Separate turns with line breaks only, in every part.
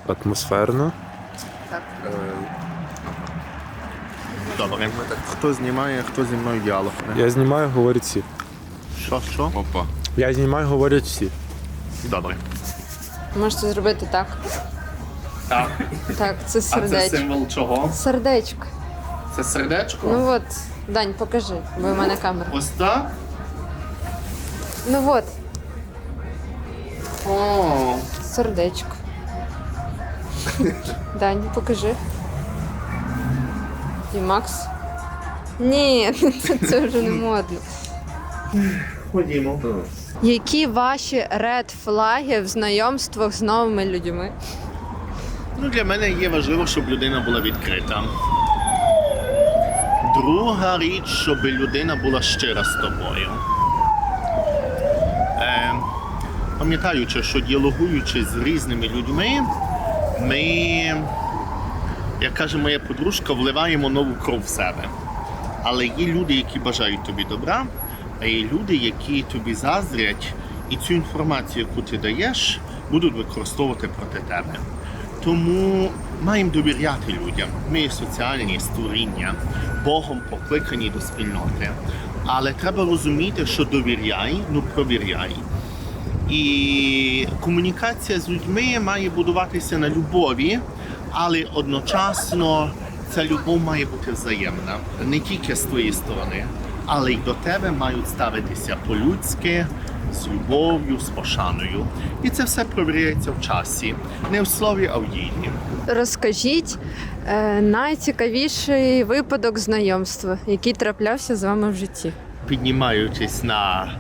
атмосферно.
Так.
Добре. Хто знімає, хто зі мною діалог?
Я знімаю, говорять всі.
Що?
Опа.
Я знімаю, говорять всі.
Добре.
Можете зробити так.
Так.
Так, це
А це
сердечко.
символ чого?
Сердечко.
Це сердечко?
Ну от, Дань, покажи, бо в мене камера.
Ось так?
Ну от,
О,
сердечко. Дань, покажи. І Макс. Ні, це вже не модно.
Ходімо.
Які ваші ред-флаги в знайомствах з новими людьми?
Ну, для мене є важливо, щоб людина була відкрита. Друга річ, щоб людина була щира з тобою. Пам'ятаючи, що діалогуючи з різними людьми, ми, як каже моя подружка, вливаємо нову кров в себе. Але є люди, які бажають тобі добра, а є люди, які тобі заздрять, і цю інформацію, яку ти даєш, будуть використовувати проти тебе. Тому маємо довіряти людям. Ми є соціальні створіння, Богом покликані до спільноти. Але треба розуміти, що довіряй, ну провіряй. І комунікація з людьми має будуватися на любові, але одночасно ця любов має бути взаємна. Не тільки з твоєї сторони, але й до тебе мають ставитися по-людськи, з любов'ю, з пошаною. І це все провіряється в часі. Не в слові, а в ділі.
Розкажіть найцікавіший випадок знайомства, який траплявся з вами в житті.
Піднімаючись на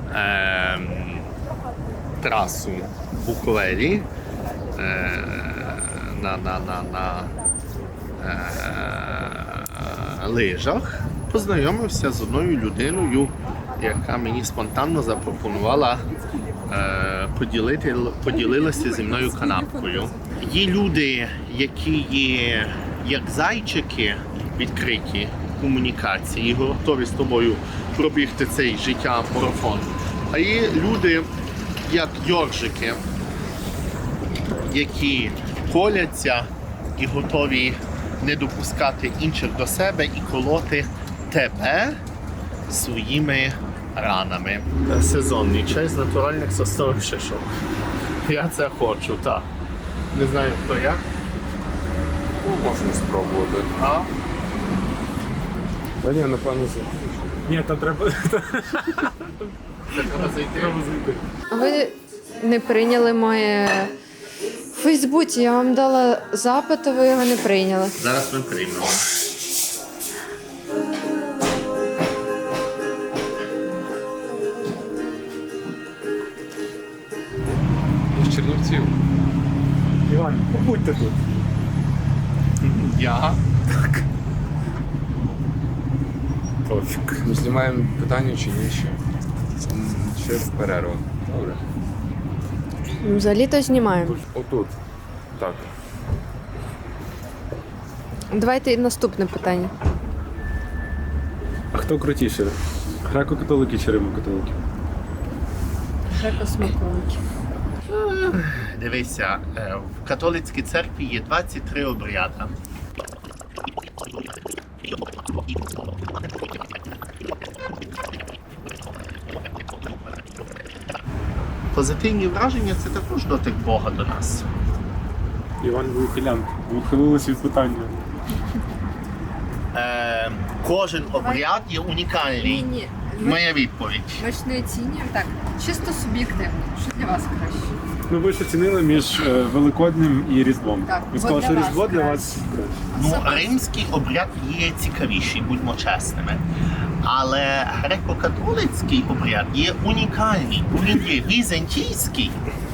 трасу в Буковелі, на лижах, познайомився з одною людиною, яка мені спонтанно запропонувала поділилася зі мною канапкою. Є люди, які є як зайчики відкриті комунікації, і готові з тобою пробігти цей життя-марафон. А є люди, як йоржики, які коляться і готові не допускати інших до себе і колоти тебе своїми ранами. Сезонний чай з натуральних соснових шишок. Я це хочу, так. Не знаю, хто як.
ну, можна спробувати.
А?
Та ні, напевно, це. Ні, там треба.
Це треба зайти.
Ви не прийняли моє в Фейсбуці. Я вам дала запит, а ви його не прийняли.
Зараз ми приймемо.
З Чернівців.
Іван, побудьте тут.
Я?
Пофіг.
Ми знімаємо питання чи ні ще? Ще в перерву. Добре.
Взагалі-то знімаємо.
Отут. Так.
Давайте і наступне питання.
А хто крутіше? Греко-католики чи римо-католики?
Греко-смаковики.
Дивися, в католицькій церкві є 23 обряди. Позитивні враження – це також дотик Бога до нас.
Іван був ухилянт. Ви ухилились від питання.
Кожен обряд є унікальний.
Ні.
Моя відповідь.
Ми ж не оцінюємо так, чисто суб'єктивно. Що для вас краще?
Ну ви ж оцінили між Великоднем і Різдвом.
Так,
Ви
бо
сказали,
для
що
вас
Різдво для
краще.
вас краще.
Ну, римський обряд є цікавіший, будьмо чесними. Але греко-католицький обряд є унікальний. Він є візантійський,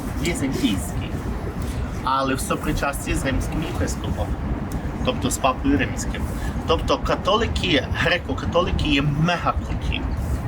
але в сопричасті з римським єпископом, тобто з папою римським. Тобто католики, греко-католики є мега круті.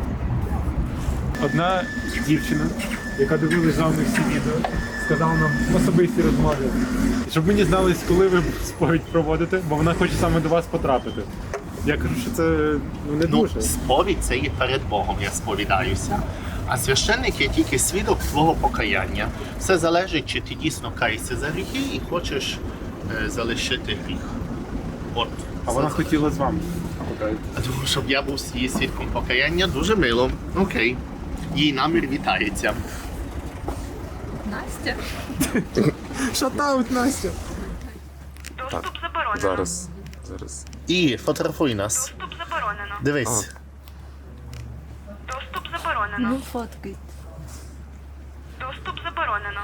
Одна дівчина, яка дивилась з вами всі відео, сказала нам в особистій розмові, щоб ми дізнались, коли ви сповідь проводите, бо вона хоче саме до вас потрапити. Я кажу, що це не
Ну,
дуже.
сповідь це є перед Богом, я сповідаюся. А священник є тільки свідок твого покаяння. Все залежить, чи ти дійсно каєшся за гріхи і хочеш залишити гріх. От.
А вона хотіла з вами.
Тому, щоб я був її свідком покаяння, дуже мило. Окей. Її намір вітається.
Настя?
Шатаут, Настя!
Доступ заборонено.
Зараз.
І фотографуй нас.
Доступ заборонено.
Дивись.
Доступ заборонено.
фоткай.
Доступ заборонено.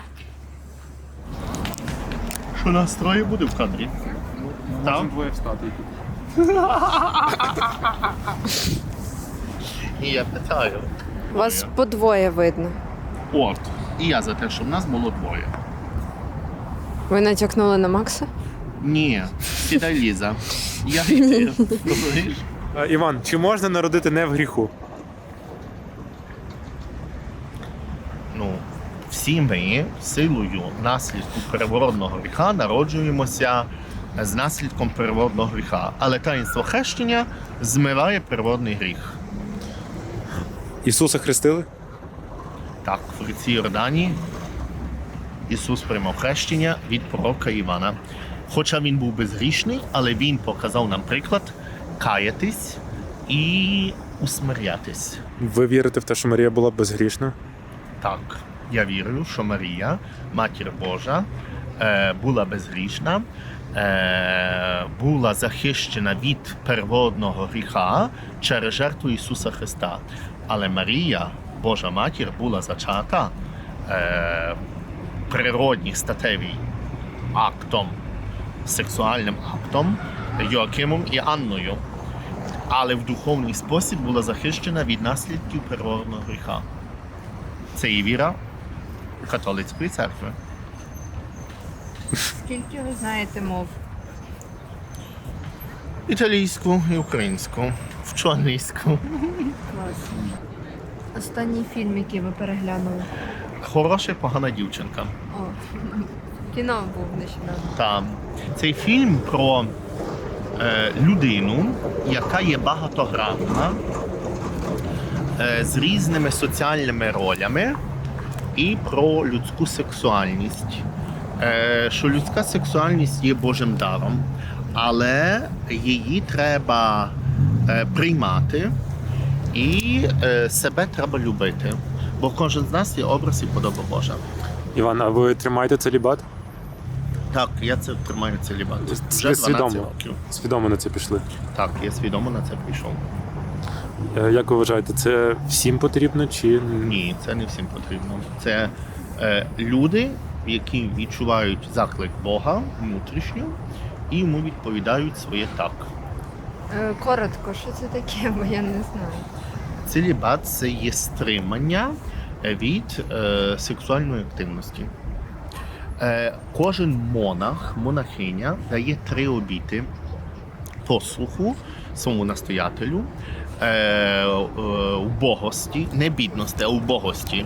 Що нас троє буде в кадрі? Так?
Двоє встати.
І я питаю.
Вас подвоє видно.
От. І я за те, щоб нас було двоє.
Ви натякнули на Макса?
Ні, сідай, Ліза. Я йти. Розумієш?
Іван, чи можна народити не в гріху?
Ну, всі ми силою наслідку первородного гріха народжуємося з наслідком первородного гріха. Але таїнство хрещення змиває первородний гріх.
Ісуса хрестили?
Так, в ріці Йордані Ісус приймав хрещення від пророка Івана. Хоча він був безгрішний, але він показав нам приклад каятись і усмирятись.
Ви вірите в те, що Марія була безгрішна?
Так, я вірю, що Марія, Матір Божа, була безгрішна, була захищена від первородного гріха через жертву Ісуса Христа. Але Марія, Божа Матір, була зачата природнім статевим актом, сексуальним актом Йоакимом і Анною. Але в духовний спосіб була захищена від наслідків первородного гріха. Це і віра католицької церкви.
Скільки ви знаєте мов?
Італійську і українську, вчу англійську.
Останній фільм, який ви переглянули.
Хороша, погана дівчинка.
О, кіно був нещодавно.
Та цей фільм про людину, яка є багатогранна, з різними соціальними ролями, і про людську сексуальність. Що людська сексуальність є Божим даром, але її треба приймати і себе треба любити. Бо кожен з нас є образ і подоба Божа.
Іван, а ви тримаєте целібат?
Так, я це тримаю целібат. Вже
Ви
12
свідомо,
років.
свідомо на це пішли.
Так, я свідомо на це прийшов.
Як ви вважаєте, це всім потрібно чи
Ні, це не всім потрібно. Це люди, які відчувають заклик Бога внутрішньо і йому відповідають своє так.
Коротко, що це таке, бо я не знаю.
Целібат – це є стримання від сексуальної активності. Кожен монах, монахиня дає 3 обіти послуху своєму настоятелю, убогості, не бідності, а убогості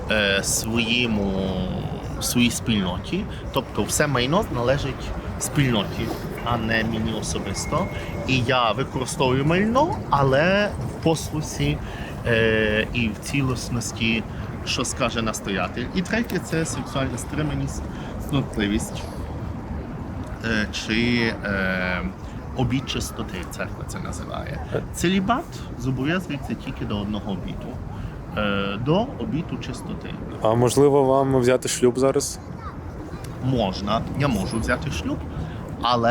своїй спільноті. Тобто все майно належить спільноті, а не мені особисто. І я використовую майно, але в послусі і в цілісності, що скаже настоятель. І третє – це сексуальна стриманість, снотливість чи обід чистоти, церква це називає. Целібат зобов'язується тільки до одного обіту. До обіту чистоти.
а можливо вам взяти шлюб зараз?
Можна, я можу взяти шлюб, але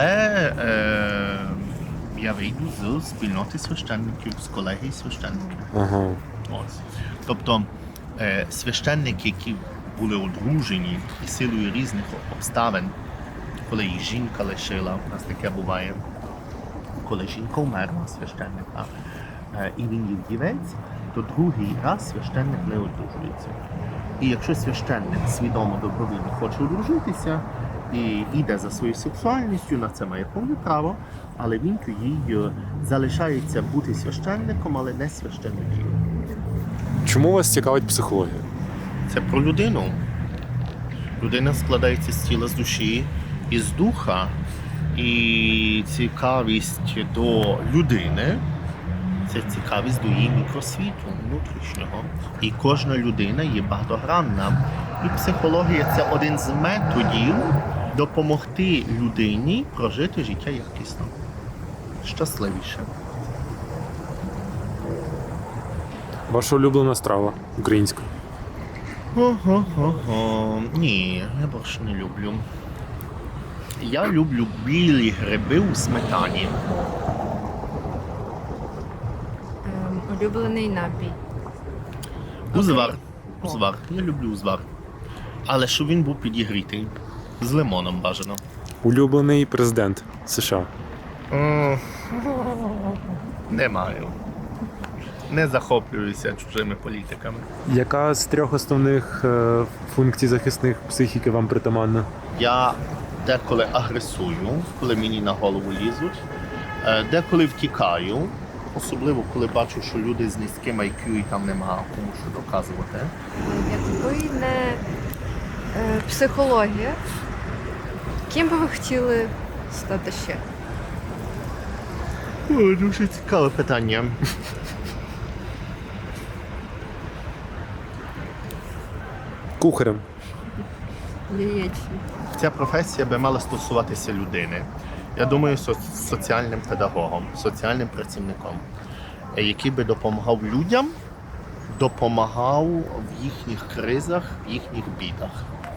я вийду з спільноти священників, з колегії священників.
Ага.
Ось. Тобто священники, які були одружені і силою різних обставин, коли їх жінка лишила, у нас таке буває, коли жінка вмерла священника, і він є вдівець, то другий раз священник не одружується. І якщо священник свідомо добровільно хоче одружитися і йде за своєю сексуальністю, на це має повне право, але він тоді залишається бути священником, але не священником.
Чому вас цікавить психологія?
Це про людину. Людина складається з тіла, з душі і з духа. І цікавість до людини Це цікавість до її мікросвіту внутрішнього. І кожна людина є багатогранна. І психологія це один з методів допомогти людині прожити життя якісно, щасливіше.
Ваша улюблена страва українська.
Ні, я борщ не люблю. Я люблю білі гриби у сметані.
Улюблений напій.
Узвар. Узвар. Я люблю узвар. Але щоб він був підігрітий. З лимоном бажано.
Улюблений президент США.
Не маю. Не захоплююся чужими політиками.
Яка з 3 основних функцій захисних психіки вам притаманна?
Я деколи агресую, коли мені на голову лізуть, деколи втікаю, особливо коли бачу, що люди з низьким IQ і там нема кому що доказувати.
Якби не психологія, ким би ви хотіли стати ще?
О, дуже цікаве питання.
Кухарем.
Яєчні.
Ця професія би мала стосуватися людини. Я думаю, соціальним педагогом, соціальним працівником, який би допомагав людям, допомагав в їхніх кризах, в їхніх бідах.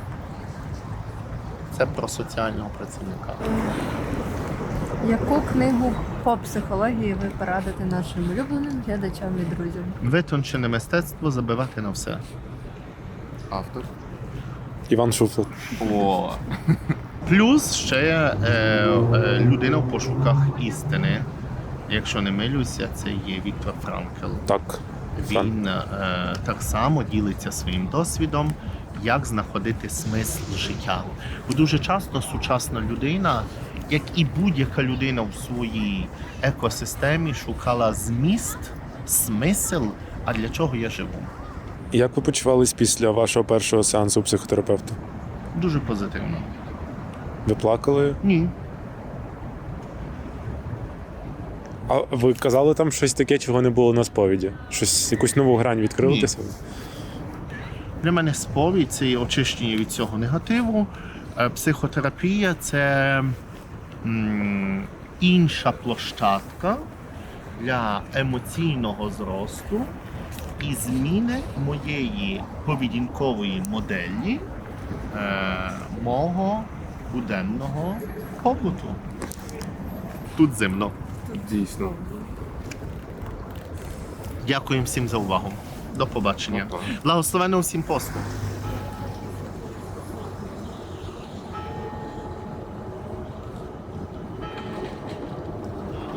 Це про соціального працівника.
Яку книгу по психології ви порадите нашим улюбленим глядачам і друзям?
Витончене мистецтво забивати на все.
Автор.
Іван Шуфлер.
О,
Плюс ще людина в пошуках істини. Якщо не милюся, це є Віктор Франкл.
Так.
Він так само ділиться своїм досвідом, як знаходити смисл життя. Бо дуже часто сучасна людина, як і будь-яка людина в своїй екосистемі, шукала зміст, смисл, а для чого я живу.
Як ви почувались після вашого першого сеансу у психотерапевта?
Дуже позитивно.
Ви плакали?
Ні.
А ви казали там щось таке, чого не було на сповіді? Щось, якусь нову грань відкрили
Ні.
для себе?
Для мене сповідь – це є очищення від цього негативу. Психотерапія – це інша площадка для емоційного зросту і зміни моєї поведінкової моделі мого буденного побуту. Тут зимно.
дійсно.
Дякую всім за увагу. До побачення.
Па-па.
Благословенно всім посту.